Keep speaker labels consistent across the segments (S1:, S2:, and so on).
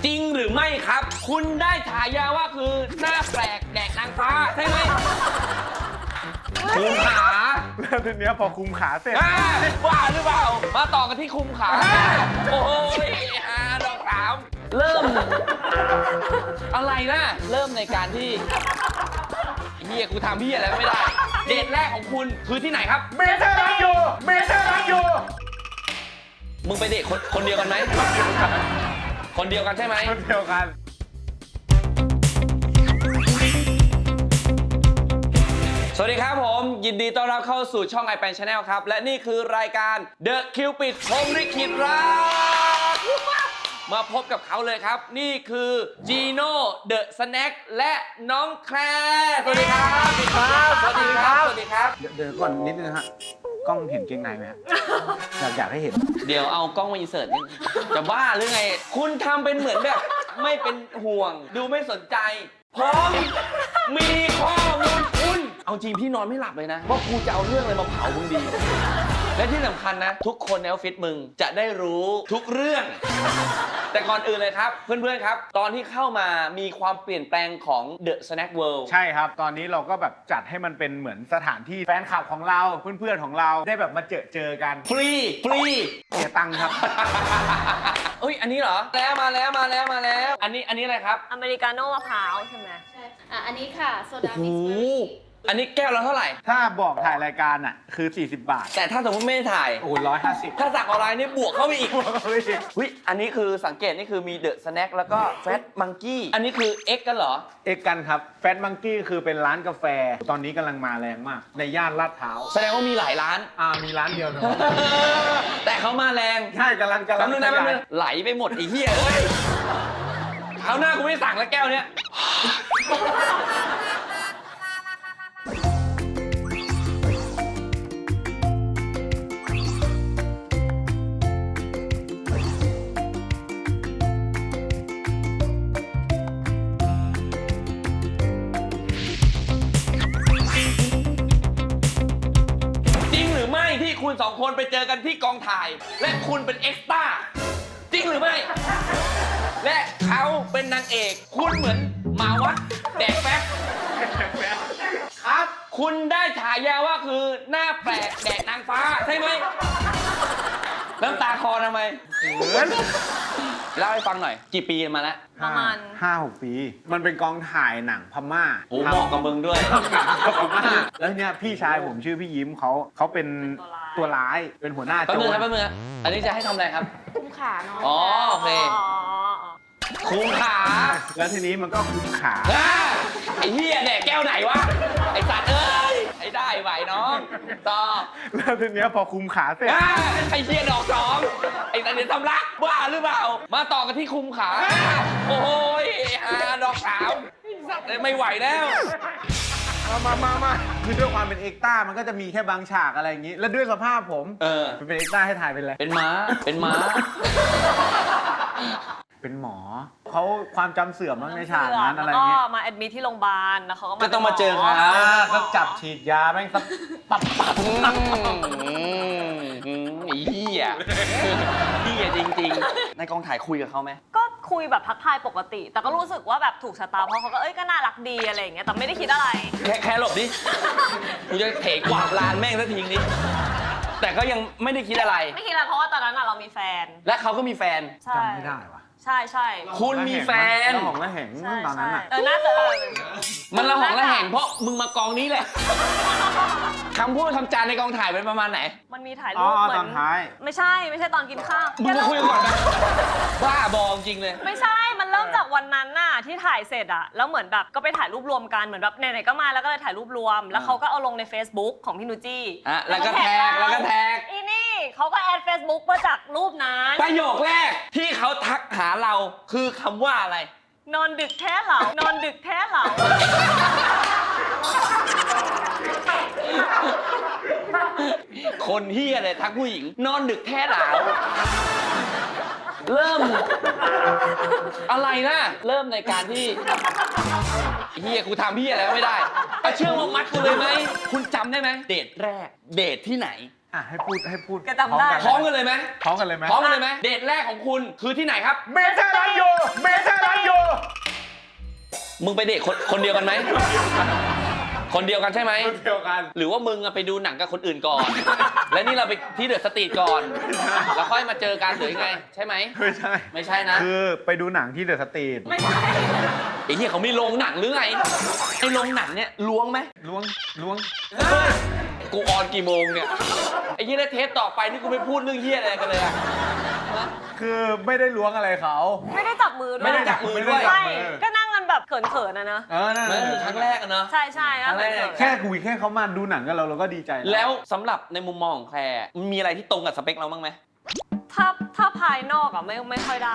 S1: จริงหรือไม่ครับ คุณได้ฉายาว่าคือหน้าแปลกแดกนางฟ้าใช่ไหมคุมขา
S2: แล้วทีเนี้ยพอคุมขาเสร็จ
S1: ว่าหรือเปล่ามาต่อกันที่คุมขาโอ้ยดอกสามเริ่มอะไรนะเริ่มในการที่เฮียกูทำพี่อะไรไม่ได้เดทแรกของคุณคือที่ไหนครับ
S2: เมเจอร์รักอยู่เมเจอร์รักอยู่
S1: มึงไปเดทคนเดียวกันไหมคนเดียวกันใช่ไหม
S2: คนเดียวกัน
S1: สวัสดีครับผมยินดีต้อนรับเข้าสู่ช่อง iPan Channel ครับและนี่คือรายการ The Cupid พรหมลิขิตรักมาพบกับเขาเลยครับนี่คือจีโน่เดอะสแน็คและน้องแคร์สวัสดีครับสวัสดีครับสวัสดีครับสวัสดีครับ
S2: เดี๋ยวก่อนนิดนึงฮะกล้องเห็นเกงในไหมฮะอยากให้เห็น
S1: เดี๋ยวเอากล้องมาอินเสิร์ตนี่จะบ้าหรือไงคุณทำเป็นเหมือนแบบไม่เป็นห่วงดูไม่สนใจพร้อมมีข้อมูลคุณเอาจริงพี่นอนไม่หลับเลยนะว่ากูจะเอาเรื่องอะไรมาเผามึงดี และที่สำคัญนะ ทุกคนในออฟฟิศมึงจะได้รู้ทุกเรื่อง แต่ก่อนอื่นเลยครับ เพื่อนๆครับ ตอนที่เข้ามามีความเปลี่ยนแปลงของ The Snack World
S2: ใช่ครับตอนนี้เราก็แบบจัดให้มันเป็นเหมือนสถานที่แฟนคลับของเราเพื่อนๆของเราได้แบบมาเจอกัน
S1: ฟรี
S2: เสียตังค์ครับ
S1: เอ้ยอันนี้เหรอแล้วมาแล้วอันนี้อะไรครับ
S3: อเมริกาโน่มะพร้าวใช่ไหม
S4: ใช่อันนี้ค่ะโซดา
S1: โอ้
S4: มิก
S1: โห
S4: ซ์เบอร์รี่
S1: อันนี้แก้วละเท่าไหร่
S2: ถ้าบอกถ่ายรายการอ่ะคือ40 บาท
S1: แต่ถ้าสมมติไม่ได้ถ่าย
S2: โอ้150
S1: ถ้าสั่งออนไลน์นี่บวกเข้าไปอีกวิอันนี้คือสังเกตนี่คือมีเดอะสแน็คแล้วก็แฟตมังกี้อันนี้คือ X กันเหรอ
S2: เอกกันครับแฟตมังกี้คือเป็นร้านกาแฟ ตอนนี้กำลังมาแรงมาก ในย่านลาดพร้าว
S1: แสดงว่ามีหลายร้าน
S2: มีร้านเดียวนะ
S1: แต่เขามาแรง
S2: ใช่กำลัง
S1: แป๊บนึงนะ
S2: ข
S1: แป๊บ
S2: ยา
S1: นึ
S2: ย
S1: งไหลไปหมดไอ้เหี้ยเอ้ยเอาหน้ากูไม่สั่งแล้วแก้วเนี้ยจริงหรือไม่ที่คุณสองคนไปเจอกันที่กองถ่าย และคุณเป็นเอ็กซ์ตร้าจริงหรือไม่ และเขาเป็นนางเอก คุณเหมือนหมาวัดแดกแป๊บครับ คุณได้ฉายาว่าคือหน้าแปลกแดกนางฟ้าใช่ไหมน้ำตาคอทำไม
S2: เหมือน
S1: เล่าให้ฟังหน่อย กี่ปีมาแล้ว
S3: ประมาณ
S2: 5-6 ปี มันเป็นกองถ่ายหนังพม่า
S1: โอ้เหมาะกับมึงด้วย
S2: พม่าแล้วเนี่ยพี่ชายผมชื่อพี่ยิ้มเขาเป็นตัวร้ายเป็นหัวหน้า
S1: แป๊บ
S2: โจ
S1: นึง
S2: ร
S1: ครับแป๊บนึงครับอันนี้จะให้ทำอะไรครับ
S4: คุ้มขาน้อง
S1: อ๋อโอเค คุมขา
S2: แล้วทีนี้มันก็คุมขา
S1: อ่าไอ้เหี้ยแดกแก้วไหนวะ ไอ้สัตว์เอ้ยไอ้ได้ไหวน้องต่อ
S2: แล้วทีเนี้ยพอคุมขาเสร็จ
S1: อ่าไอ้เหี้ยดอกสองไอ้สัตว์เดี๋ยวทำรักบ้าหรือเปล่า มาต่อกันที่คุมขา โอ้ยดอกสามไอ้สัตว์ไม่ไหวแล้ว
S2: มาคือด้วยความเป็นเอ็กต้ามันก็จะมีแค่บางฉากอะไรอย่างนี้ แล้วด้วยสภาพผม
S1: เออ
S2: เป็นเอ็กต้าให้ถ่ายเป็นอะไร
S1: เป็นม้า เป็นม้า
S2: เป็นหมอเขาความจำเสื่อมบ้างในฉากนั้นอะไร
S3: แล้ว
S2: อย่าง
S3: ก็
S2: นี้
S3: มาแอดมิทที่โรงพยาบาลแล้วเขาก็
S1: ก็ต้องมาเจอ
S3: ป็นห
S1: เขา
S2: ก็จับฉีดยาแม่งสับปับ
S1: ไอ้เหี้ยเหี้ยจริงๆ ในกองถ่ายคุยกับเขาไหม
S3: ก็คุยแบบทักทายปกติ แต่ก็รู้สึกว่าแบบถูกชะตาเพราะเขาก็ก็น่ารักดีอะไรอย่างเงี้ยแต่ไม่ได้คิดอะไร
S1: แค่หลบดิ กูจะเถกวาดลานแม่งสักทีนี้ แต่ก็ยังไม่ได้คิดอะไร
S3: ไม่คิดอะไรเพราะว่าตอนนั้นเรามีแฟน
S1: และเขาก็มีแฟน
S3: ใช่
S2: จำไม่ได้วะ
S3: ใช่ใช่
S1: คุณมีแฟน
S2: แล้วของละแหง
S3: ใช่
S2: ตอนนั้น
S3: ใช่
S2: อ่ะ
S3: น่าจะ
S1: มันระหองระแหงเพราะมึงมากองนี้แหละ คำพูดคำจาในกองถ่ายเป็นประมาณไหน
S3: มันมีถ่าย
S2: อ๋
S3: รู
S2: อ
S3: ปเหมื
S2: ต
S3: อ
S2: อน นท้าย
S3: ไม่ใช่ตอนกินข้าว
S1: มึงมาคุยกันก่อนนะบ้าบอจริงเลย
S3: ไม่ใช่ มันเริ่มจากวันนั้นน่ะที่ถ่ายเสร็จอะแล้วเหมือนแบบก็ไปถ่ายรูปรวมกันเหมือนแบบไหนๆก็มาแล้วก็เลยถ่ายรูปรวม แล้วเขาก็เอาลงใน Facebook ของพี่นูจี้
S1: อ่ะแล้วก็แท็กแล้วก็แท็ก
S3: อีนี่เขาก็แอด Facebook มาจากรูปนั้น
S1: ประโยคแรกที่เขาทักหาเราคือคำว่าอะไร
S3: นอนดึกแท้เหล่านอนดึกแท้เหล่า
S1: คนเฮียเลยทักผู้หญิง นอนดึกแท้หลาวเริ่ม อะไรนะเริ่มในการที่เฮียกูทำเฮียอะไรก็ไม่ได้เชื่อว่ามัดกูเลยไหมคุณจำได้ไหมเดทแรก เดทที่ไหน
S2: ให้พูด
S3: แกจำได้
S1: พร้อมกันเลยไหม
S2: พร้อมกันเลยไหม
S1: พร้อมกันเลยไหมเดทแรกของคุณคือที่ไหนครับ
S2: เมเจอร์รักอยู่เม
S1: มึงไปเดทคนเดียวกันไหม คนเดียวกันใช่ไหม
S2: เดียวกัน
S1: หรือว่ามึงอะไปดูหนังกับคนอื่นก่อน และนี่เราไปที่เดอะสตรีทก่อน แล้วค่อยมาเจอกันหรือยังไง ใช่ไหม
S2: ไม่ใช่
S1: ไม่ใช่นะ
S2: คือไปดูหนังที่เดอะสตรีท
S3: ไม่ใช่
S1: ไอ้ที่เขามีโรงหนังหรือไง ไอ้โรงหนังเนี่ยล้วงไหม
S2: ล้วง
S1: กูออนกี่โมงเนี่ย ไอ้ที่ได้เทปต่อไปนี่กูไม่พูดเรื่องเฮี้ยอะไรกันเลยอะ
S2: คือไม่ได้ล้วงอะไรเขา
S3: ไม่ได้จับมือด้วย
S1: ไม่ได้จับมือด้วย
S3: ใช่ก็นั่งกันแบบเขินๆนะ
S2: นั่น
S1: นั่นคือครั้งแรกอะเนอะ
S3: ใช่ใช่
S1: ครั้งแรก
S2: แค่คุยแค่เขามาดูหนังกับเราก็ดีใจ
S1: แล้วสำหรับในมุมมองของแคร์มันมีอะไรที่ตรงกับสเปคเราบ้างไหม
S3: ถ้าภายนอกอะไม่ค่อยได้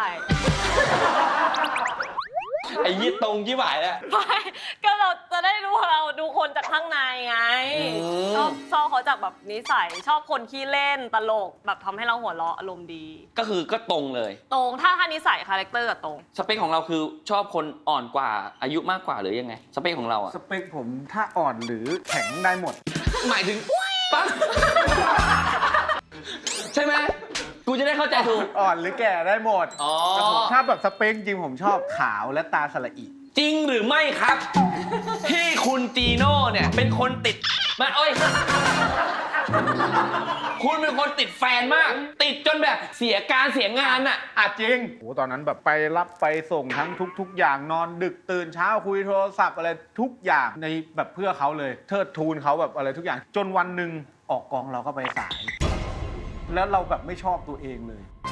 S1: ไอ้ยี่ตรงยี่หวายแล้ว
S3: ไม่ก็เราจะได้รู้ว่าเราดูคนจากข้างในไง
S1: อืม
S3: ชอบเขาจากแบบนิสัยชอบคนขี้เล่นตลกแบบทำให้เราหัวเราะอารมณ์ดี
S1: ก็ตรงเลย
S3: ตรงถ้านิสัยคาแรคเตอร์กับตรง
S1: สเปคของเราคือชอบคนอ่อนกว่าอายุมากกว่าหรือยังไง สเปคของเราอะ
S2: สเปคผมถ้าอ่อนหรือแข็งได้หมด
S1: หมายถึงปั๊บใช่ไหมกูจะได้เข้าใจถูก
S2: อ่อนหรือแก่ได้หมด
S1: อ๋อ
S2: แต่ผมถ้าแบบสเปคจริงผมชอบขาวและตาสละอิ
S1: จริงหรือไม่ครับ ที่คุณจีโน่เนี่ยเป็นคนติดมาเอ้ยคุณเป็นคนติดแฟนมาก ติดจนแบบเสียการเสียงานอะ
S2: จริงโอ้ตอนนั้นแบบไปรับไปส่งทั้งทุกอย่างนอนดึกตื่นเช้าคุยโทรศัพท์อะไรทุกอย่างในแบบเพื่อเขาเลยเทิดทูนเขาแบบอะไรทุกอย่างจนวันหนึ่งออกกองเราก็ไปสาย แล้วเราแบบไม่ชอบตัวเองเลย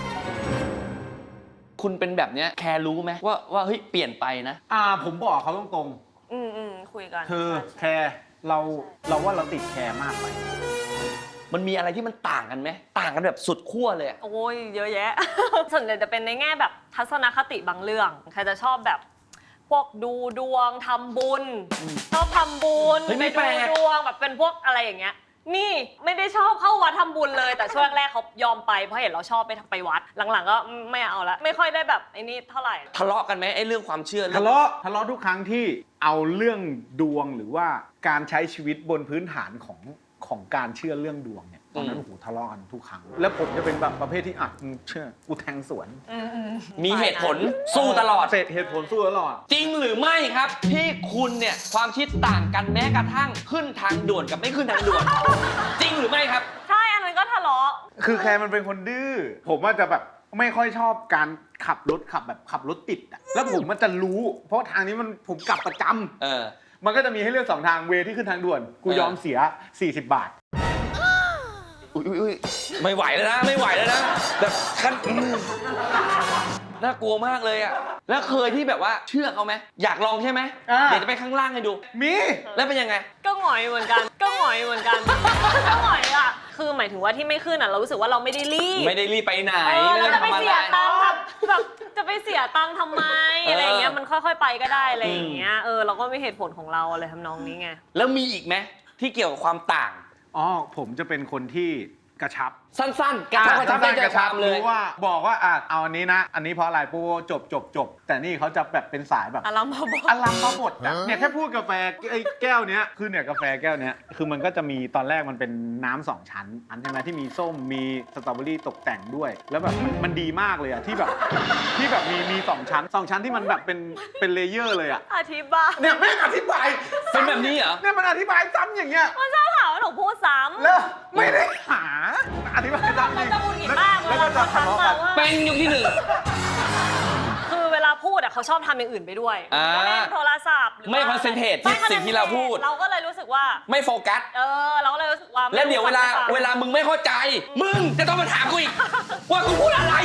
S1: คุณเป็นแบบเนี้ยแคร์รู้ไหมว่าเฮ้ยเปลี่ยนไปนะ
S2: ผมบอกเขาตรง
S3: คุยกัน
S2: ๆคือแคร์เราว่าเราติดแคร์มากไป
S1: มันมีอะไรที่มันต่างกันไหมต่างกันแบบสุดขั้วเลยอะ
S3: โอ้ยเยอะแยะ ส่วนใหญ่จะเป็นในแง่แบบทัศนคติบางเรื่องใครจะชอบแบบพวกดูดวงทำบุญชอบทำบุญ
S1: เฮ้ยไม่
S3: ไป
S1: แปล
S3: ดู
S1: ก
S3: ดวงแบบเป็นพวกอะไรอย่างเงี้ยนี่ไม่ได้ชอบเข้าวัดทำบุญเลย แต่ช่วงแรกเขายอมไปเพราะเห็นเราชอบไปวัดหลังๆก็ไม่เอาละไม่ค่อยได้แบบไอ้นี่เท่าไหร่
S1: ทะเลาะกันไหมไอ้เรื่องความเชื่อ
S2: ทะเลาะทุกครั้งที่เอาเรื่องดวงหรือว่าการใช้ชีวิตบนพื้นฐานของการเชื่อเรื่องดวงเนี่ยตอนนั้นโอ้โหทะเลาะกันทุกครั้งแล้วผมจะเป็นแบบประเภทที่มึงเชื่อกูแทงสวน
S1: มีเหตุผลสู้ตลอด
S2: เสร็จเหตุผลสู้ตลอด
S1: จริงหรือไม่ครับที่คุณเนี่ยความคิดต่างกันแม้กระทั่งขึ้นทางด่วนกับไม่ขึ้นทางด่วน จริงหรือไม่ครับ
S3: ใช่อันนั้นก็ทะเลาะ
S2: คือแคร์มันเป็นคนดื้อผมว่าจะแบบไม่ค่อยชอบการขับรถติดอะแล้วผมมันจะรู้ เพราะทางนี้ผมกลับประจำ มันก็จะมีให้เลือก2ทางเวที่ขึ้นทางด่วนกูยอมเสีย40 บาท
S1: อุ้ยไม่ไหวแล้วนะไม่ไหวแล้วนะแบบขั้นน่ากลัวมากเลยอะแล้วเคยที่แบบว่าเชื่อเขาไหมอยากลองใช่ไหมเดี๋ยวจะไปข้างล่างให้ดู
S2: มี
S1: แล้วเป็นยังไง
S3: ก็หงอยเหมือนกัน ก็หงอยอ่ะคือหมายถึงว่าที่ไม่ขึ้นอ่ะเรารู้สึกว่าเราไม่ได้รีบ
S1: ไม่ได้รีบไปไหน
S3: เราจะไป
S1: ม่ด้
S3: เสีย
S1: ทำอะ
S3: ตังค์
S1: ไร
S3: แบบจะไปเสียตังค์ทำไมอะไรอย่างเงี้ยมันค่อยๆไปก็ได้อะไรอย่างเงี้ยเราก็มีเหตุผลของเราอะไรทำนองนี้ไง
S1: แล้วมีอีกไหมที่เกี่ยวกับความต่าง
S2: ผมจะเป็นคนที่กระชับ
S1: สั้นๆกระชับได้ใจความเลย
S2: รู้ว่าบอกว่าเอาอันนี้นะ อันนี้เพราะอะไรปูจบแต่นี่เขาจะแบบเป็นสายแบบ
S3: อารมณ์มาบอก
S2: อลัมมาบดอะเนี่ยแค่พูดกาแฟไอ้แก้วเนี้ยคือเนี่ยกาแฟแก้วเนี้ยคือมันก็จะมีตอนแรกมันเป็นน้ำ2 ชั้นอันใช่ไหมที่มีส้มมีสตรอเบอรี่ตกแต่งด้วย แล้วแบบมันดีมากเลยอะที่แบบมี2 ชั้น2 ชั้นที่มันแบบเป็นเลเยอร์เลยอะ
S3: อธิบาย
S2: เนี่ยไม่อธิบาย
S1: เป็นแบบนี้เหรอ
S2: เนี่ยมันอธิบายซ้ำอย่างเงี้ย
S3: มันชอบถามว่าหนูพูดซ้ำ
S2: แล้วไม่ได้หาอธิบายซ้ำ
S3: มันจะหงุดหงิดมาก
S2: แล้วก็จะทะเลาะกัน
S1: เป็นยุคที่
S3: คือเวลาพูดเขาชอบทำอย่างอื่นไปด้วย
S1: อ่า
S3: ก็เล่นโทรศัพท์หรือว่า
S1: ไม่ concentrate ที่สิ่งที่เราพูด
S3: เราก็เลยรู้สึกว่า
S1: ไม่โฟกัส
S3: เราก็เลยรู้สึกว่า
S1: แล้วเดี๋ยวเวลามึงไม่เข้าใจ มึงจะต้องมาถามกูอีก ว่ากูพูดอะไร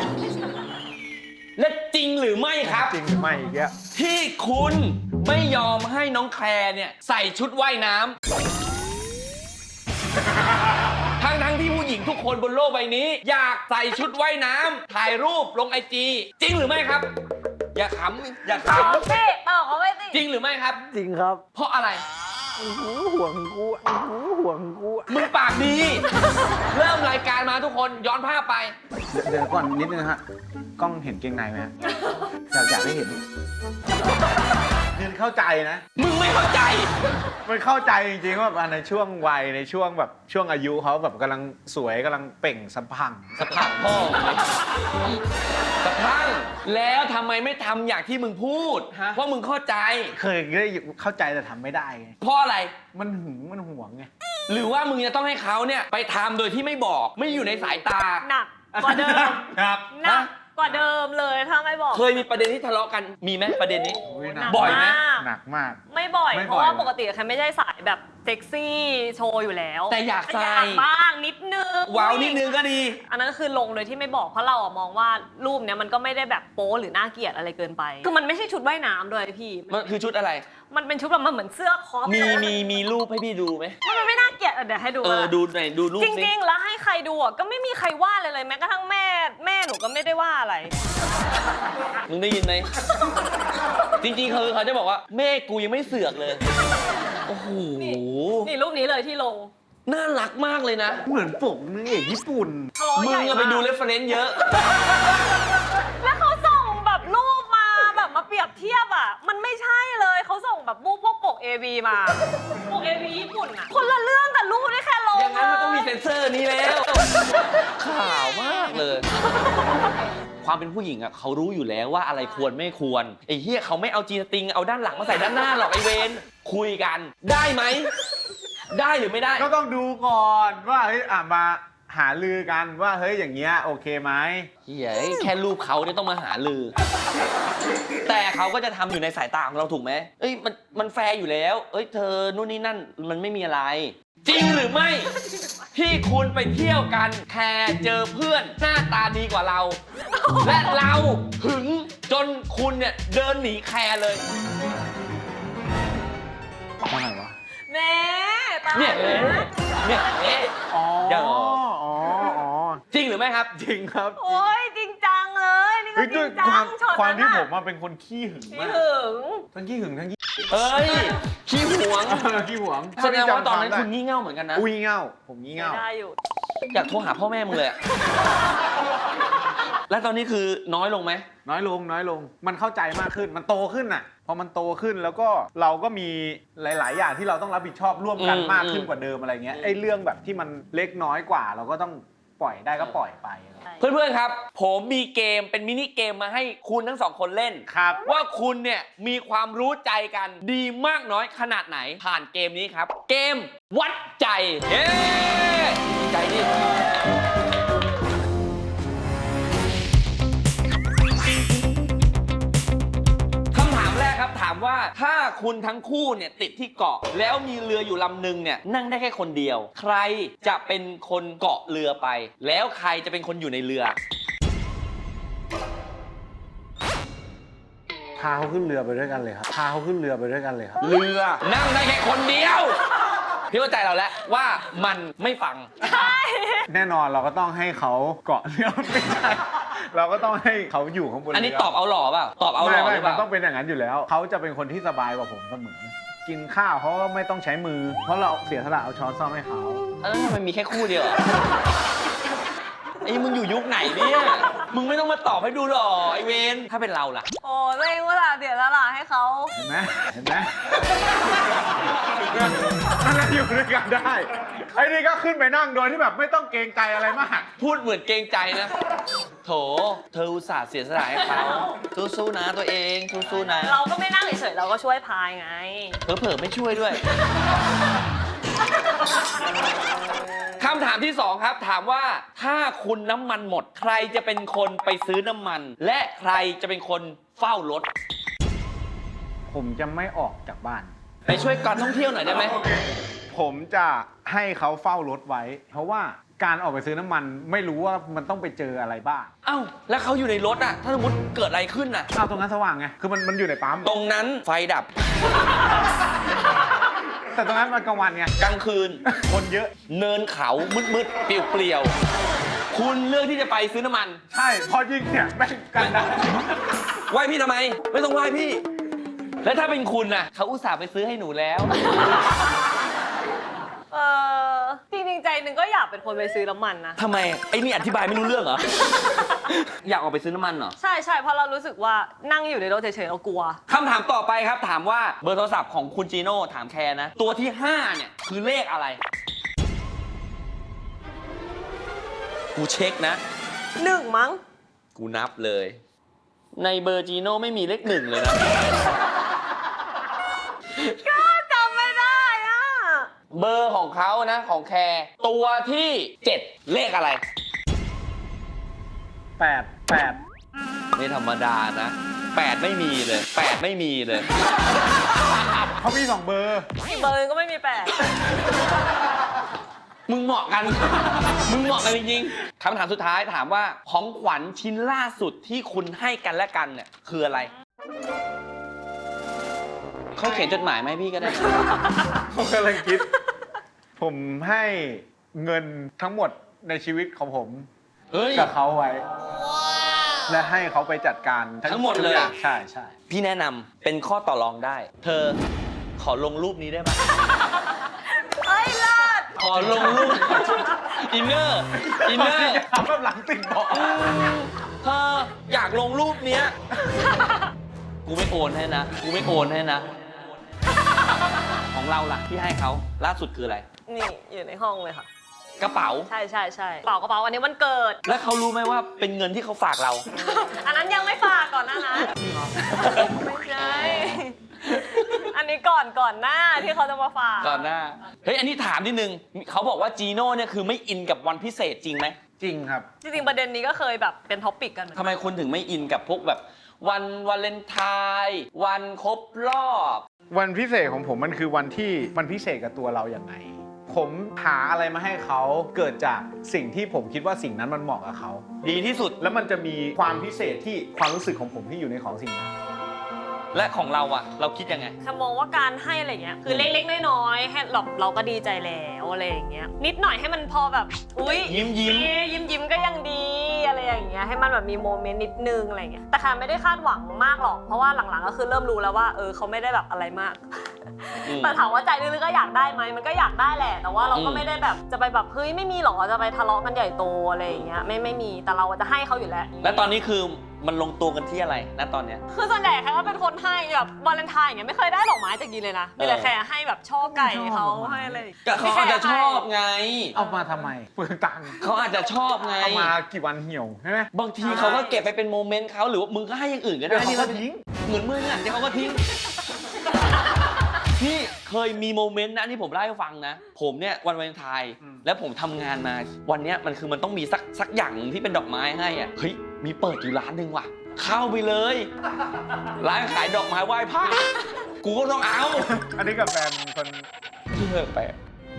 S1: และจริงหรือไม่ครับ
S2: จริงหรือไม่อีกแล้ว
S1: ที่คุณไม่ยอมให้น้องแคร์เนี่ยใส่ชุดว่ายน้ำทั้งที่ผู้หญิงทุกคนบนโลกใบนี้ อยากใส่ชุดว่ายน้ำถ่ายรูปลงIG จริงหรือไม่ครับ อย่าขำอย่าข
S3: ตอบสิตอบเขาไม่สิ
S1: ำจริงหรือไม่ครับ
S2: จริงครับ
S1: เพราะอะไร
S2: ห่วงกูห่วงกู
S1: มึงปากดี เริ่มรายการมาทุกคนย้อนภาพไป
S2: เดี๋ยวก่อนนิดนึงฮะกล้องเห็นเกงในไหมฮะอยากให้เห็นเข้าใจนะ
S1: มึงไม่เข้าใจ
S2: มันเข้าใจจริงๆว่าในช่วงวัยในช่วงแบบช่วงอายุเขาแบบกำลังสวยกำลังเปล่งสะพรั่ง
S1: สะพังพ่อสะพังแล้วทำไมไม่ทำอย่างที่มึงพูด
S2: ฮะ
S1: ว่ามึงเข้าใจ
S2: เคยได้เข้าใจแต่ทำไม่ได้ไง
S1: เพราะอะไร
S2: มันหึงมันหวงไง
S1: หรือว่ามึงจะต้องให้เขาเนี่ยไปทำโดยที่ไม่บอกไม่อยู่ในสายตา
S3: หนักกว่าเดิม
S2: ครับ
S3: หนักกว่าเดิมเลยถ้าไม่บอก
S1: เคยมีประเด็นที่ทะเลาะกันมีไหมประเด็นนี้
S2: หนัก
S1: บ่อยไหม
S3: าก
S2: หนักมาก
S3: ไม่บ่อย
S2: ไม่บ่อย
S3: เพราะว่าปกติใครไม่ใช่สายแบบเซ็กซี่โชว์อยู่แล้ว
S1: แต่อยากใส่
S3: อยากบ้างนิดนึง
S1: ว้าวนิดนึงก็ดี
S3: อันนั้นก็คือลงโดยที่ไม่บอกเพราะเราอะมองว่ารูปเนี้ยมันก็ไม่ได้แบบโป๊หรือน่าเกลียดอะไรเกินไปคือมันไม่ใช่ชุดว่ายน้ำด้วยพี่
S1: มันคือชุดอะไร
S3: มันเป็นชุดแบบมันเหมือนเสื้อคอป
S1: มีรูปให้พี่ดูไหม
S3: มันไม่น่าเกลียดเดี๋ยวให้ดู
S1: ดูหน่อยดูรูป
S3: จ
S1: สิ
S3: ริง ๆ แล้วให้ใครดูอะก็ไม่มีใครว่าเลยแม้กระทั่งแม่หนูก็ไม่ได้ว่าอะไร
S1: มึงได้ยินไหม จริงๆคือเขาจะบอกว่าแม่กูยังไม่เสือกเลย โอ้โห
S3: นี่รูปนี้เลยที่ลง
S1: น่ารักมากเลยนะ
S2: เหมือนปกนางเอกญี่ปุ่น
S3: ทะเลาะ
S1: มึ
S3: ให
S1: ง
S3: ญ่
S1: อะไป
S3: มาก
S1: ดูเรฟเฟรนซ์เยอะ
S3: แล้วเขาส่งแบบรูปมาแบบมาเปรียบเทียบอ่ะ มันไม่ใช่เลยเขาส่งแบบรูปพวกปก AV มาปก AV ญี่ปุ่นอ่ะ คนละเรื่องกับรูปที่แค่ลง
S1: อย่างนั้นมันต้องมีเซ็นเซอร์นี้แล้ว ข่าวมากเลย ความเป็นผู้หญิงอะเขารู้อยู่แล้วว่าอะไรควรไม่ควรไอ้เฮียเขาไม่เอาจีนสติงเอาด้านหลังมาใส่ด้านหน้าหรอกไอเวนคุยกัน ได้ไหม ได้หรือไม่ได้
S2: ก็ต้องดูก่อนว่าเฮ้ยมาหาลือกันว่าเฮ้ยอย่างเงี้ยโอเคไหม
S1: เฮียแค่รูปเขาเนี่ยต้องมาหาลือ แต่เขาก็จะทำอยู่ในสายตาของเราถูกไหมเอ้ยมันแฟร์อยู่แล้ว เอ้ยเธอนู่นนี่นั่นมันไม่มีอะไร จริงหรือไม่ ที่คุณไปเที่ยวกันแค่เจอเพื่อนหน้าตาดีกว่าเรา และเราหึงจนคุณเนี่ยเดินหนีแคร์เลย
S2: อะไรวะ
S3: แหม่ตาย
S1: เนี่ยเนี่ยเอ๊ะ
S2: อ๋อ
S1: เดี๋ยว
S2: อ๋ออ๋อ
S1: จริงหรือไม่ครับ
S2: จริงครับ
S3: โอ้ยจริงจังเลยนี่ก็
S2: เฮ้ย
S3: จ
S2: ด้
S3: ริ
S2: วย
S3: งจั
S2: ความ
S3: งช็อต
S2: ความ
S3: นั้น
S2: ที่
S3: อะ
S2: ผมมาเป็นคนขี้หึง
S3: พี่
S2: มาก
S3: หึง
S2: ทั้งขี้หึงทั้งขี้
S1: เอ้ยขี้หวง
S2: ขี้หวง
S1: แสดงว่าตอนนั้นคุณงี่เง่าเหมือนกันนะ
S2: อุ้ยเง่าผมงี่เง่า
S3: ได้อยู่
S1: อยากโทรหาพ่อแม่มึงเลยอะ แล้วตอนนี้คือน้อยลงไหม
S2: น้อยลงน้อยลง มันเข้าใจมากขึ้นมันโตขึ้นน่ะพอมันโตขึ้นแล้วก็เราก็มีหลาย ๆ อย่างที่เราต้องรับผิดชอบร่วมกันมากขึ้นกว่าเดิมอะไรเงี้ยไอ้เรื่องแบบที่มันเล็กน้อยกว่า เราก็ต้องปล่อยได้ก็ปล่อยไป
S1: เพื่อนๆครับ ผมมีเกมเป็นมินิเกมมาให้คุณทั้งสองคนเล่น
S2: ครับ
S1: ว่าคุณเนี่ยมีความรู้ใจกันดีมากน้อยขนาดไหนผ่านเกมนี้ครับ เกมวัดใจเย้ใจดิคำถามแรกครับถามว่าถ้าคุณทั้งคู่เนี่ยติดที่เกาะแล้วมีเรืออยู่ลำหนึ่งเนี่ยนั่งได้แค่คนเดียว ใครจะเป็นคนเกาะเรือไป แล้วใครจะเป็นคนอยู่ในเรือ
S2: พาเขาขึ้นเรือไปด้วยกันเลยครับพาเขาขึ้นเรือไปด้วยกันเลยครับ
S1: เรือนั่งได้แค่คนเดียว พี่เข้าใจเราแล้วว่ามันไม่ฟัง
S2: แน่นอนเราก็ต้องให้เขาเกาะเรือไม่ใช่เราก็ต้องให้เขาอยู่ข้างบนเรือ
S1: อันนี้ตอบเอาหล่อเปล่าตอบเอาหล่อห
S2: ไม่
S1: รือเป
S2: มัน
S1: ล่า
S2: ต้องเป็นอย่างนั้นอยู่แล้ว เขาจะเป็นคนที่สบายกว่าผมเสมอ กินข้าวเขาก็ไม่ต้องใช้มือ เพราะเราเสียสละเอาช้อนซ่อมให้เขา
S1: แล้วทำไมมีแค่คู่เดียวอะไอ้มึงอยู่ยุคไหนเนี่ยมึงไม่ต้องมาตอบให้ดูหรอไอเวนถ้าเป็นเราล่ะ
S3: โอ้ตัวเองว่าเดี๋ยวละล่ะให้เขา
S2: เห็นไหมเห็นไหมนั่นแหละอยู่ด้วยกันได้ ไอ้นี่ก็ขึ้นไปนั่งโดยที่แบบไม่ต้องเกรงใจอะไรมาก
S1: พูดเหมือนเกรงใจนะ โถ เธออุตส่าห์เสียสละให้เขาสู้ๆนะตัวเองสู้ๆนะ
S3: เราก็ไม่นั่งเฉยๆเราก็ช่วยพายไง
S1: เผลอๆไม่ช่วยด้วย คำถามที่ 2 ครับ ถามว่าถ้าคุณน้ำมันหมด ใครจะเป็นคนไปซื้อน้ำมัน และใครจะเป็นคนเฝ้ารถ
S2: ผมจะไม่ออกจากบ้าน
S1: ไปช่วยการท่องเที่ยวหน่อยได้ไหม
S2: ผมจะให้เขาเฝ้ารถไว้ เพราะว่าการออกไปซื้อน้ำมันไม่รู้ว่ามันต้องไปเจออะไรบ้าง
S1: เอ้าแล้วเขาอยู่ในรถอะถ้าสมมติเกิดอะไรขึ้นอะ
S2: อ้าวตรงนั้นสว่างไง คือมันอยู่ในปั๊ม
S1: ตรงนั้นไฟดับ
S2: แต่ตรงนั้นมันกลางวันไง
S1: กลางคืน
S2: คนเยอะ
S1: เนินเขามืดๆเปลี่ยวๆคุณเลือกที่จะไปซื้อน้ำมัน
S2: ใช่ พอยิงเนี่ยแม่งกันได้
S1: ไหว้พี่ทำไม ไม่ต้องไหว้พี่ แล้วถ้าเป็นคุณน่ะเขาอุตส่าห์ไปซื้อให้หนูแล้ว
S3: จริงๆใจหนึ่งก็อยากเป็นคนไปซื้อน้ำมันนะ
S1: ทำไมไอ้นี่อธิบายไม่รู้เรื่องเหรอ อยากออกไปซื้อน้ำมันเหรอ
S3: ใช่ใช่เพราะเรารู้สึกว่านั่งอยู่ในรถเฉยๆเรากลัว
S1: คำถามต่อไปครับถามว่าเบอร์โทรศัพท์ของคุณจีโน่ถามแคร์นะ ตัวที่ 5 เนี่ยคือเลขอะไร กูเช็คนะ
S3: 1 มั้ง
S1: กูนับเลย ในเบอร์จีโน่ไม่มีเลข 1 เลยนะ
S3: ก็จำไม่ได้อะ
S1: เบอร์ของเขานะของแคร์ตัวที่ 7 เลขอะไร
S2: 8
S1: ไม่ธรรมดานะ 8 ไม่มีเลย 8 ไม่มีเลย
S2: เขามี2เบอร์
S3: อีกเบอร์นึงก็ไม่มี8
S1: มึงเหมาะกัน มึงเหมาะกันจริงๆ คำถามสุดท้ายถามว่าของขวัญชิ้นล่าสุดที่คุณให้กันและกันเนี่ยคืออะไร เขาเขียนจดหมายไหมาให้พี่ก็ได้
S2: ผมกำลังคิด ผมให้เงินทั้งหมดในชีวิตของผม
S1: เฮ้ย
S2: กับเขาไว้ และให้เขาไปจัดการ
S1: ทั้งหมดเลย
S2: ทุกอางใช่ใช่
S1: พี่แนะนำเป็นข้อต่อรองได้ เธอขอลงรูปนี้ได้ไหม
S3: เอ้ยเลิศ
S1: ขอลงรูป อินเนอร์
S2: ทำแบบหลังติ่งบอก
S1: เธออยากลงรูปเนี้ย กูไม่โอนให้นะ กูไม่โอนให้นะ ของเราล่ะที่ให้เขาล่าสุดคืออะไร
S3: นี่อยู่ในห้องเลยค่ะ
S1: กระเป๋า
S3: ใช่ใช่ใช่กระเป๋าอันนี้วันเกิด
S1: แล้วเขารู้ไหมว่าเป็นเงินที่เขาฝากเรา
S3: อันนั้นยังไม่ฝากก่อนนะไม่ใช่ อันนี้ก่อนหน้าที่เขาจะมาฝาก
S1: ก่อนหน้า เฮ้ย อันนี้ถามนิดนึง เขาบอกว่าจีโน่เนี่ยคือไม่อินกับวันพิเศษจริงไหม
S2: จริงครับ
S3: จริงๆประเด็นนี้ก็เคยแบบเป็นท็อปปิกกันเหมือน
S1: ทำ
S3: กัน
S1: ไมคุณถึงไม่อินกับพวกแบบ วันวาเลนไทน์วันครบรอบ
S2: วันพิเศษของผมมันคือวันที่มันพิเศษกับตัวเราอย่างไง ผมหาอะไรมาให้เขาเกิดจากสิ่งที่ผมคิดว่าสิ่งนั้นมันเหมาะกับเขา
S1: ดีที่สุด
S2: แล้วมันจะมีความพิเศษที่ความรู้สึกของผมที่อยู่ในของสิ่งนั้น
S1: และของเราอะเราคิดยังไง
S3: แค่มองว่าการให้อะไรเงี้ยคือเล็กๆน้อยๆให้เราก็ดีใจแล้วอะไรอย่างเงี้ยนิดหน่อยให้มันพอแบบอุ้ย
S1: ยิ้ม
S3: ยิ้มก็ยังดีอะไรอย่างเงี้ยให้มันแบบมีโมเมนต์นิดนึงอะไรเงี้ยแต่ค่ะไม่ได้คาดหวังมากหรอกเพราะว่าหลังๆก็คือเริ่มรู้แล้วว่าเขาไม่ได้แบบอะไรมาก แต่ถามว่าใจลึกๆก็อยากได้ไหมมันก็อยากได้แหละแต่ว่าเราก็ไม่ได้แบบจะไปแบบเฮ้ยไม่มีหรอจะไปทะเลาะกันใหญ่โตอะไรอย่างเงี้ยไม่มีแต่เราจะให้เขาอยู่แล้ว
S1: และตอนนี้คือมันลงตัวกันที่อะไรณตอนเนี้ย
S3: คือส่วนใหญ่แค่ก็เป็นคนให้แบบวาเลนไทน์อย่างเงี้ยไม่เคยได้ดอกไม้จากยีเลยนะมีแต่แค่ให้แบบช่อไก่เขาให้อะไร
S1: ก็เขาอาจจะชอบไง
S2: เอามาทำไมเปลืองตังค์
S1: เขาอาจจะชอบไง
S2: เอามากี่วันเหี่ยวใช่ไหม
S1: บางทีเขาก็เก็บไปเป็นโมเมนต์เขาหรือว่ามึงก็ให้อย่างอื่นก็ได้
S2: เดี๋ยวเขาก็ทิ้ง
S1: เหมือนมึงอะเดี๋ยวเขาก็ทิ้ง พี่เคยมีโมเมนต์นะที่ผมเล่าให้ฟังนะ ผมเนี่ยวันวาเลนไทน์แล้วผมทำงานมาวันเนี้ยมันคือมันต้องมีสักอย่างที่เป็นดอกไม้ให้อ่ะเฮ้ยมีเปิดอยู่ร้านหนึ่งว่ะ เข้าไปเลย ร้านขายดอกไม้ไหว้พระกูก็ต้องเอา
S2: อันนี้กับแฟนคน
S1: ที่เลิกไป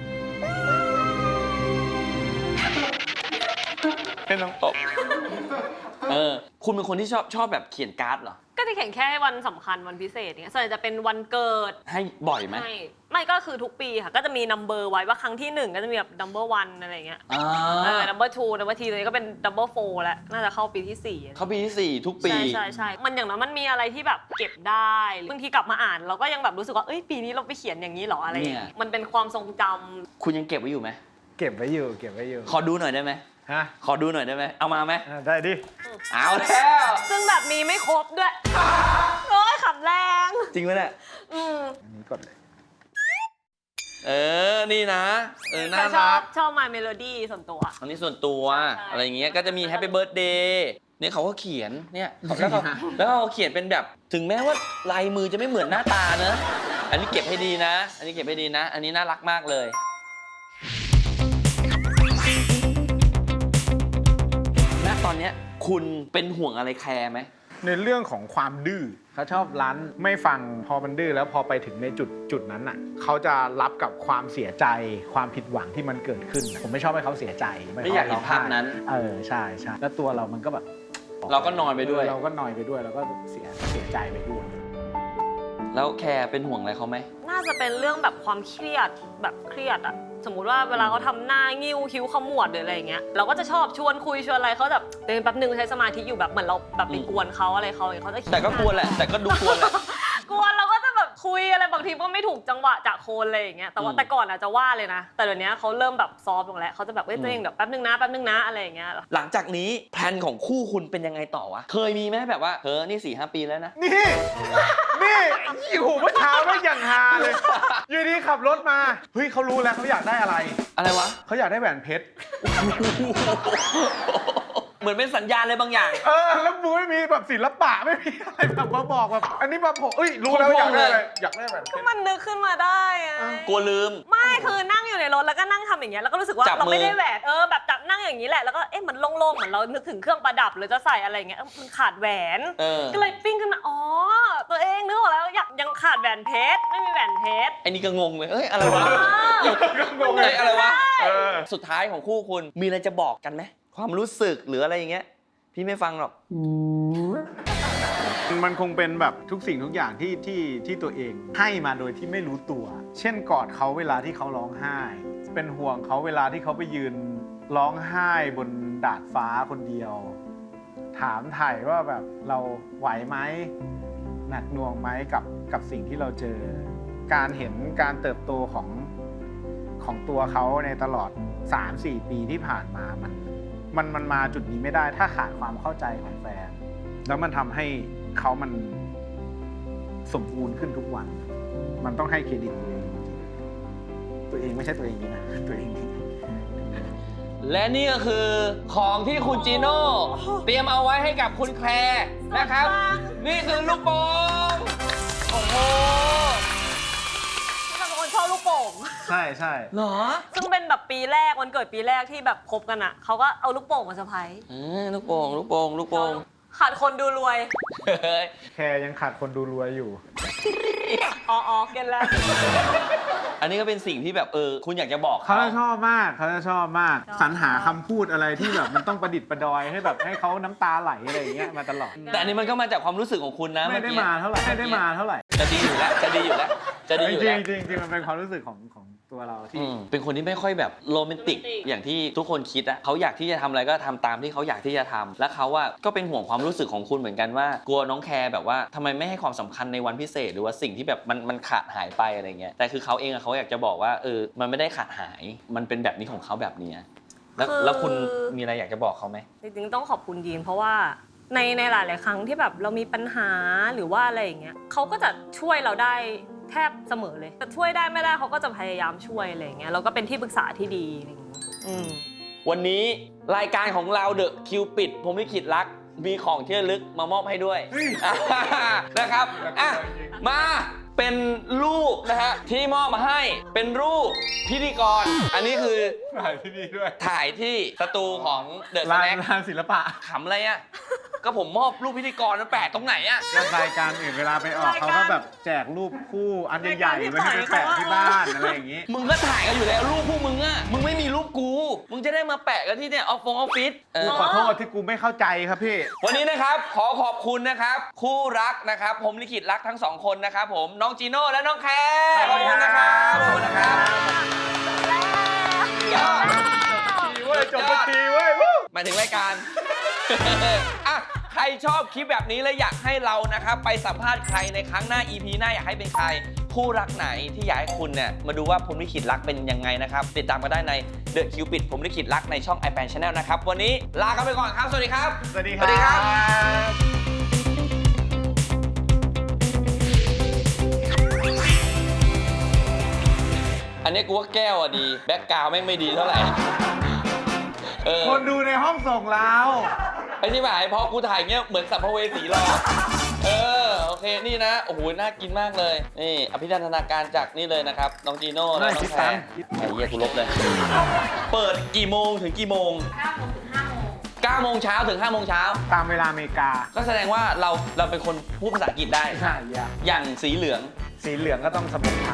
S2: เป็นน้อง
S1: ตบคุณเป็นคนที่ชอบแบบเขียนการ์ดเหรอ
S3: ก็จะเขียนแค่ให้วันสำคัญวันพิเศษเนี่ยส่วนใหญ่จะเป็นวันเกิด
S1: ให้บ่อยไหม
S3: ไม่ก็คือทุกปีค่ะก็จะมีนัมเบอร์ไว้ว่าครั้งที่1ก็จะมีแบบนัมเบอร์1อะไรเงี้ยนัมเบอร์2นัมเบอร์3เลยก็เป็นนัมเบอร์4แล้วน่าจะเข้าปีที่4
S1: เขาปีที่ 4 ทุกปี
S3: ใช่มันอย่างนั้นมันมีอะไรที่แบบเก็บได้บางทีกลับมาอ่านเราก็ยังแบบรู้สึกว่าเอ้ยปีนี้เราไปเขียนอย่างนี้หรออะไรอย่างเงี้ยมันเป็นความทรงจำ
S1: คุณยังเก็บไว้อยู่ไหม
S2: เก็บไว้อยู่
S1: ขอดูหน่อยได้ไหม
S2: ฮะ
S1: ขอดูหน่อยได้ไหมเอามาไหม
S2: ได้ดิ
S1: เอาแล้ว
S3: ซึ่งแบบมีไม่ครบด้วยโอ้ยขำแรง
S1: จริงไหมเนี่ย
S2: อันนี้กดเลย
S1: นี่นะน่า
S3: ชอ
S1: รับ ก
S3: My Melody ส่วนตัว
S1: อันนี้ส่วนตัว
S3: ใช่
S1: อะไรอย่างเงี้ยก็จะมี Happy Birthday เนี่ยเขาก็เขียนเนี่ยแล้วเขาเขียนเป็นแบบถึงแม้ว่าลายมือจะไม่เหมือนหน้าตานะอันนี้เก็บให้ดีนะ อันนี้เก็บให้ดีนะ อันนี้น่ารักมากเลยณตอนเนี้ยคุณเป็นห่วงอะไรแคร์ไหม
S2: ในเรื่องของความดื้อเขาชอบรั้นไม่ฟังพอมันดื้อแล้วพอไปถึงในจุดนั้นน่ะเขาจะรับกับความเสียใจความผิดหวังที่มันเกิดขึ้น ผมไม่ชอบให้เขาเสียใจ
S1: ไม่อยากเห็นภาพนั้น
S2: ใช่แล้วตัวเรามันก็แบบ
S1: เราก็นอยไปด้วย
S2: เราก็นอยไปด้วยแล้วก็เสียใจไปด้วย
S1: แล้วแคร์เป็นห่วงอะไรเขาไหม
S3: น่าจะเป็นเรื่องแบบความเครียดแบบเครียดอะสมมุติว่าเวลาเขาทำหน้างิ้วคิ้วขมวดหรืออะไรอย่างเงี้ยเราก็จะชอบชวนคุยชวนอะไรเขาแบบเดินแป๊บนึงใช้สมาธิอยู่แบบเหมือนเราแบบไปกวนเขาอะไรเขาอย่างเงี้ยเขาจะ
S1: แต่ก็กลัวแหละ แต่ก็ดูกลัวแหละ
S3: กวนเราก็จะแบบคุคุยอะไรบางทีก็ไม่ถูกจังหวะจากโคนอะไรอย่างเงี้ยแต่ว่าแต่ก่อนอาจจะว่าเลยนะแต่เดี๋ยวนี้เขาเริ่มแบบซอฟต์ลงแล้วเขาจะแบบตัวเองเดี๋ยวแป๊บนึงนะอะไรอย่างเงี้ย
S1: หลังจากนี้แพลนของคู่คุณเป็นยังไงต่อวะเคยมีไหมแบบว่านี่4-5 ปีแล้วนะ
S2: นี่โอ้โหเมื่อเช้าไม่อย่างฮาเลยอยู่ดีขับรถมาเฮ้ยเขารู้แล้วเขาอยากได้อะไร
S1: อะไรวะ
S2: เขาอยากได้แหวนเพชร
S1: เหมือนเป็นสัญญาณอะไรบางอย่าง
S2: แล้วมูไม่มีแบบศิลปะไม่มีอะไรแบบมาบอกแบบอันนี้มาผมรู้แล้วอยากได้อะไรอยากได้แหวนเพชร
S3: มันนึกขึ้นมาได้ไง
S1: กลัวลืม
S3: ไม่คือนั่งอยู่ในรถแล้วก็นั่งทำอย่างเงี้ยแล้วก็รู้สึกว่า
S1: จับมือ
S3: เราไม่ได้แหวนแบบจับนั่งอย่างนี้แหละแล้วก็มันโล่งๆเหมือนเรานึกถึงเครื่องประดับหรือจะใส่อะไรอย่างเงี้ยมันขาดแหวน ก็เลยปิ้งขึ้นมาตัวเองนึกออกแล้วยังขาดแหวนเพชรไม่มีแหวนเพชร
S1: ไอ้นี่ก็งงเลยอะไรวะ
S2: งงเลย
S1: อะไรวะสุดท้ายของคู่คุณมีอะไรจะบอกกันไหมความรู้สึกหรืออะไรอย่างเงี้ยพี่ไม่ฟังหรอก
S2: มันคงเป็นแบบทุกสิ่งทุกอย่างที่ตัวเองให้มาโดยที่ไม่รู้ตัว เช่นกอดเขาเวลาที่เขาร้องไห้ เป็นห่วงเขาเวลาที่เขาไปยืนร้องไห้บนดาดฟ้าคนเดียว ถามไถ่ว่าแบบเราไหวไหมหนักหน่วงไหมกับสิ่งที่เราเจอ การเห็นการเติบโตของตัวเขาในตลอด 3-4 ปีที่ผ่านมามันมาจุดนี้ไม่ได้ถ้าขาดความเข้าใจของแฟน แล้วมันทำให้เขามันสมบูรณ์ขึ้นทุกวัน มันต้องให้เครดิตตัวเองจริงๆตัวเองไม่ใช่ตัวเองนี่นะตัวเองนี่
S1: และนี่ก็คือของที่คุณจีโน่เตรียมเอาไว้ให้กับคุณแคลร์นะครับ นี่คือลูกโป่งโอ้โห
S3: ที่เป็นคนชอบลูกโป่ง
S2: ใช่
S1: เหรอ
S3: ซึ่งเป็นแบบปีแรกวันเกิดปีแรกที่แบบคบกันอ่ะเขาก็เอาลูกโป่งมาเซอร์ไพรส์
S1: ลูกโป่ง
S3: ขาดคนดูรวย
S2: แค่ยังขาดคนดูรวยอยู่
S3: อ๋อเก็ตแล้ว
S1: อันนี้ก็เป็นสิ่งที่แบบคุณอยากจะบอก
S2: เขา
S1: เขา
S2: จะชอบมากสรรหาคำพูดอะไรที่แบบมันต้องประดิษฐ์ประดอยให้แบบให้เขาน้ำตาไหลอะไรอย่างเงี้ยมาตลอด
S1: แต่อันนี้มันก็มาจากความรู้สึกของคุณนะ
S2: ไม่ได้มาเท่าไหร่
S1: จะดีอยู่แล้วจะดีอยู่แล้ว
S2: จริงมันเป็นความรู้สึกของตัวเราที่
S1: เป็นคนที่ไม่ค่อยแบบโรแมนติกอย่างที่ทุกคนคิดอะเขาอยากที่จะทำอะไรก็ทำตามที่เขาอยากที่จะทำและเขาอะก็เป็นห่วงความรู้สึกของคุณเหมือนกันว่ากลัวน้องแคร์แบบว่าทำไมไม่ให้ความสำคัญในวันพิเศษหรือว่าสิ่งที่แบบมันขาดหายไปอะไรเงี้ยแต่คือเขาเองอะเขาอยากจะบอกว่ามันไม่ได้ขาดหายมันเป็นแบบนี้ของเขาแบบนี้แล้วคุณมีอะไรอยากจะบอกเขาไหม
S3: จริงๆต้องขอบคุณยีนเพราะว่าในหลายๆครั้งที่แบบเรามีปัญหาหรือว่าอะไรอย่างเงี้ยเขาก็จะช่วยเราได้แทบเสมอเลยแต่ช่วยได้ไม่ได้เขาก็จะพยายามช่วยอะไรอย่างเงี้ยเราก็เป็นที่ปรึกษาที่ดีอะไรอย่างเงี้ย
S1: วันนี้รายการของเราเดอะคิวปิดผมลิขิตรักมีของที่ระลึกมามอบให้ด้วยนะครับมาเป็นรูปนะฮะที่มอบมาให้เป็นรูปพิธีกรอันนี้คือ
S2: ถ่ายที่นี่ด้วย
S1: ถ่ายที่สตูของเดอะสแน็ค
S2: ลานศิลปะ
S1: ขำอะไรอ่ะก็ผมมอบรูปพิธีกรมันแปะตรงไหนอ่ะ
S2: รายการอื่นเวลาไปออกเขาก็แบบแจกรูปคู่อันใหญ่ๆไว้ให้ไปแปะที่บ้านอะไรอย่างงี้
S1: มึงก็ถ่ายกันอยู่แล้วรูปพวกมึงอ่ะมึงไม่มีรูปกูมึงจะได้มาแปะกันที่เนี่ยออฟฟิศ
S2: ขอโทษที่กูไม่เข้าใจครับพี่
S1: วันนี้นะครับขอขอบคุณนะครับคู่รักนะครับผมลิขิตรักทั้งสองคนนะครับผมน้องจีโน่และน้องแคร์ขอบคุณนะครับขอบคุณนะครับยอด
S2: จบสักทีเว้ย
S1: หมายถึงรายการ อ่ะใครชอบคลิปแบบนี้และอยากให้เรานะครับไปสัมภาษณ์ใครในครั้งหน้า EP หน้าอยากให้เป็นใครคู่รักไหนที่อยากให้คุณเนี่ยมาดูว่าผมลิขิตรักเป็นยังไงนะครับติดตามกันได้ใน The Cupid ผมลิขิตรักในช่อง iPad Channel นะครับวันนี้ลากันไปก่อนครับสวัสดีครับ
S2: สวัสดีครับ
S1: อันนี้กูว่าแก้วอ่ะดีแบ็คกราวด์แม่งไม่ดีเท่าไหร่
S2: คนดูในห้องส่งเรา
S1: ไอ้ที่หมายพอกูถ่ายเงี้ยเหมือนสัมภเวสีรอโอเคนี่นะโอ้โหน่ากินมากเลยนี่อภินันทนาการจากนี่เลยนะครับน้องจีโน่และน้องแพรไอ้เหี้ยกูลบเลย เปิดกี่โมงถึงกี่โมง9 โมงเช้าถึง5 โมงเช้า
S2: ตามเวลาอเมริกา
S1: ก็แสดงว่าเราเป็นคนพูดภาษาอังกฤษได้
S2: ใช่
S1: อย่างสีเหลือง
S2: ก็ต้องสมุนไพร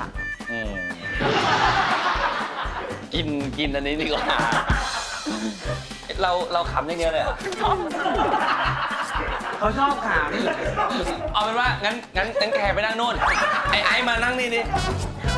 S1: กินอันนี้ดีกว่าเราขำอย่างเดียวเลย
S2: เขาชอบขำ
S1: เอาเป็นว่างั้นแคร์ไปนั่งนู่นไอ้มานั่งนี่ดิ